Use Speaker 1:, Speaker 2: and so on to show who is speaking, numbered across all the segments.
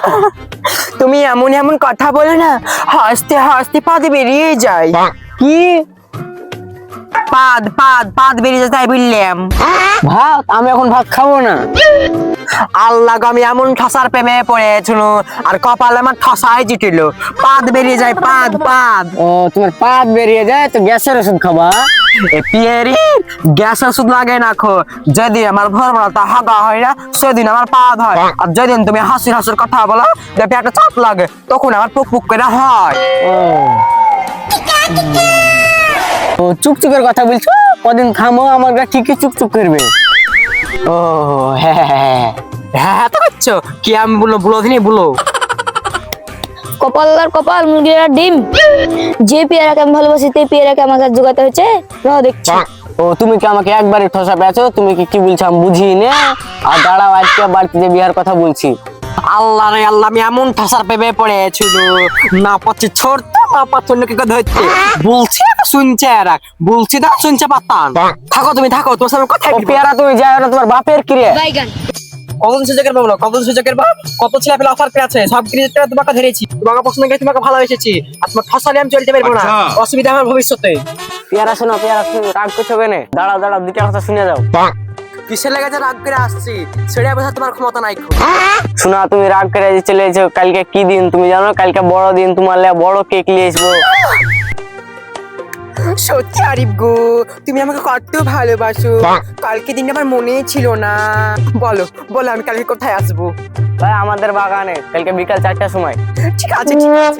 Speaker 1: তুমি এমন এমন কথা বলো না, হাসতে হাসতে পাদ বেরিয়ে যায়।
Speaker 2: কি
Speaker 1: পাদ পাদ পাদ বেরিয়ে যায় তাই বললাম।
Speaker 2: ভাত? আমি এখন ভাত খাবো না।
Speaker 1: আল্লাহ গো, আমি এমন ঠসার প্রেমে পড়েছিল আর কপালে আমার ঠসাই জিটিল, পাদ বেরিয়ে যায়, পাদ পাদ।
Speaker 2: ও, তোমার পাত বেরিয়ে যায় তো গ্যাসের ওষুধ খাবা?
Speaker 1: এ পিয়েরি, গ্যাস ওষুধ লাগে না খো, যেদিন আমার ভোরবেলাটা হাগা হয় না সেদিন আমার পাদ হয়, আর যেদিন তুমি হাসির হাসির কথা বলো যে পেটে চাপ লাগে তখন আমার পুক পুক করে হয়।
Speaker 2: ও চুকচুকের কথা বলছো? কদিন থামো, আমার গা ঠিকই চুকচুক করবে।
Speaker 1: ও হ্যাঁ হ্যাঁ হ্যাঁ হ্যাঁ, তো করছো কি? আমি বলো বলো দিনই বলো।
Speaker 3: কপাল আর কপাল, মুরগির আর ডিম। যে পেয়ারাকে আমি ভালোবাসি সেই পেয়ারাকে আমার কাছে জোগাতে হচ্ছে, রহ দেখছি।
Speaker 2: ও, তুমি কি আমাকে একবারই ঠসা পেয়েছো? তুমি কি বলছো আমি বুঝি না। আর দাঁড়াও, আজকে বাড়িতে বিয়ার কথা বলছি।
Speaker 1: আল্লাহ রে আল্লাহ, আমি এমন ঠাসার পেবে পড়েছিল, না পাচ্ছি ছড়তে না পাচ্ছি অন্য কি ধরতে। বলছি তো শুনছে এরা, বলছি তো শুনছে পাতান। থাকো তুমি থাকো, তোমার সামনে কথা
Speaker 2: ও পেয়ারা তুমি যাও না, তোমার বাপের ক্রিয়া।
Speaker 3: বাইগান।
Speaker 1: কতদিন সুযোগের পাবো, কতদিন সুযোগের বা কত ছেলে পেলে অফার পেয়েছে, সব ক্রিয়েটটা তোমাকে ধরেছি, তোমাকে পছন্দ করে তোমাকে ভালোবেসেছি, আর তোমার ঠসালে আমি চলতে পারবো না, অসুবিধা আমার ভবিষ্যতে।
Speaker 2: পেয়ারা শোনো, পেয়ারা শোনো, রাগ করছো কেনে? দাঁড়াও দাঁড়াও, দুটা কথা শুনে যাও।
Speaker 1: কিসের লেগেছে রাগ করে আসছি, সেটা বোঝা তোমার ক্ষমতা নাই।
Speaker 2: শোনা, তুমি রাগ করে যে চলে এসো। কালকে কি দিন তুমি জানো? কালকে বড় দিন, তোমার লে বড় কেক নিয়ে আসবো।
Speaker 1: সত্যি আরিফ গো, তুমি আমাকে কত ভালোবাসো, কালকে দিন আমার মনে ছিল না। বলো বলো, আমি কালকে কোথায় আসবো?
Speaker 2: ভাই আমাদের বাগানে, কালকে বিকাল 4টার সময়।
Speaker 1: ঠিক আছে ঠিক আছে।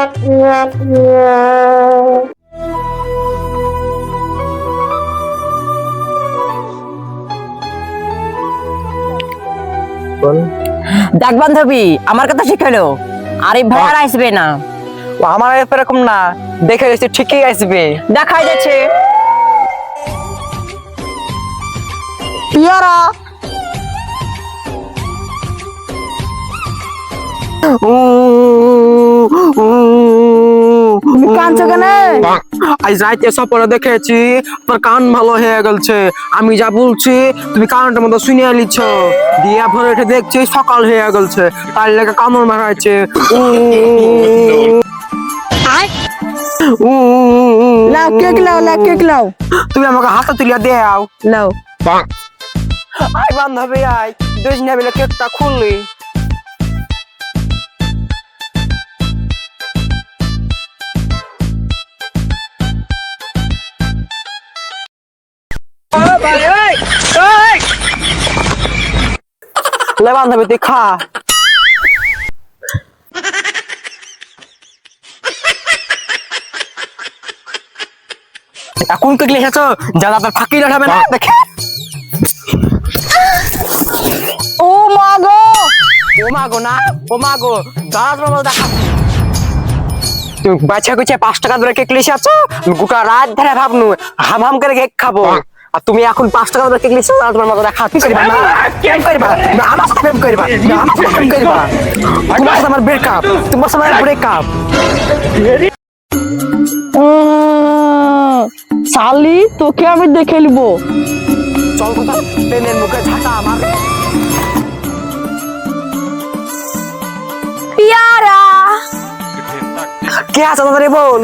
Speaker 4: দেখ বান্ধবী, আমার কথা শিখালো, আরিফ ভাই আর আসবে না।
Speaker 1: ও আমার এরকম না, দেখে গেছি ঠিকই আসবে।
Speaker 4: দেখাই যাচ্ছে
Speaker 1: পিয়ারা
Speaker 4: কাঁদছো কেন?
Speaker 1: আজ রাইতে স্বপ্ন দেখেছি তোর কান ভালো হয়ে গেছে, আমি যা বলছি তুমি কানটার মতো শুনে লিছ, দিয়া ভরে উঠে দেখছি সকাল হয়ে গেছে, তার লেগে কামড় মারাইছে।
Speaker 4: লাও কেক লাও, লাও কেক লাও,
Speaker 1: তুমি আমাকে হাতে তুলিয়া দেও।
Speaker 4: লাও।
Speaker 1: আয় বান্ধবী আয়, দুজনে মিলে কেকটা খুললি। লে বান্ধবী তুই খা। এখন কেক লিখেছো, যারা আপনার ফাঁকি লাগাবে না দেখে।
Speaker 4: ও মা গো,
Speaker 1: ও মা গো না, ও মা গো, দাঁড়া তোমার দেখা। তুমি বাচ্চা কুচে 5 টাকা ধরে কেক লিখেছো, গোটা রাত ধরে ভাবনু হাম হাম করে কেক খাবো, আর তুমি এখন 5 টাকা ধরে কেক লিখেছো, তোমার মতো দেখা কি করবা না? কেন করবা না? আমার সাথে প্রেম করবা না? আমার সাথে প্রেম করবা? তোমার সাথে আমার ব্রেকআপ, তোমার সাথে আমার ব্রেকআপ।
Speaker 4: শালি তোকে আমি দেখে নিবো।
Speaker 1: চল কথা, প্রেমের মুখে ঝাঁটা আমার।
Speaker 3: পেয়ারা।
Speaker 1: কে আছে তাড়াতাড়ি বল।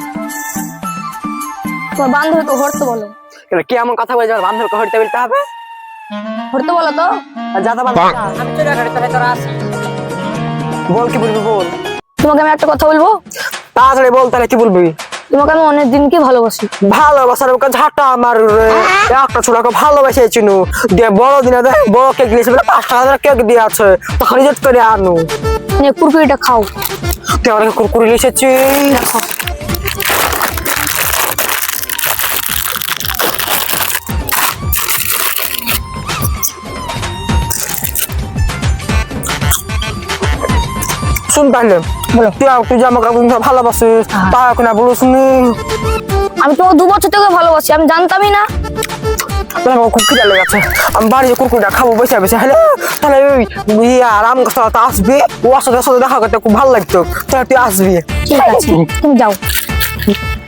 Speaker 3: তোমার বান্ধবীকে হরতে বলো।
Speaker 1: কে এমন কথা বলছে আমার বান্ধবকে হইতে বলতে হবে?
Speaker 3: হরতে বলো তো।
Speaker 1: যাতা বান্ধব আমি চলে গেলে তোরা আসি। বল কি বলবি বল।
Speaker 3: তোমাকে আমি একটা কথা বলবো।
Speaker 1: তাড়াতাড়ি বল, তাহলে কি বলবি?
Speaker 3: তোমাকে আমি অনেক দিনকে ভালোবাসি।
Speaker 1: ভালোবাসার মুখে ঝাঁটা আমার রে। একটা ছোটকে ভালোবেসেছিল, দিয়ে বড় দিনে দেখ বড় কেক দিয়েছে, 5 টাকা করে কেক দিয়ে আছে, তখন রিজেক্ট করে আনু।
Speaker 3: কুরকুরিটা খাও।
Speaker 1: তুই আমাকে কুরকুরি লিখেছি। শুন তাহলে, তুই যে আমাকে ভালোবাসিস তা এখন আর বলিস নি।
Speaker 3: আমি তোমাকে 2 বছর থেকে ভালোবাসি, আমি জানতামই না।
Speaker 1: আমার খুব খিদে লেগেছে, আমি বাড়ি যে কুরকুরিটা খাবো বসে বসে। হ্যালো, তাহলে ওই আরাম করতে আসবি, ও সাথে দেখা করতে খুব ভালো লাগতো, তাহলে তুই আসবি।
Speaker 3: ঠিক আছে, তুমি যাও।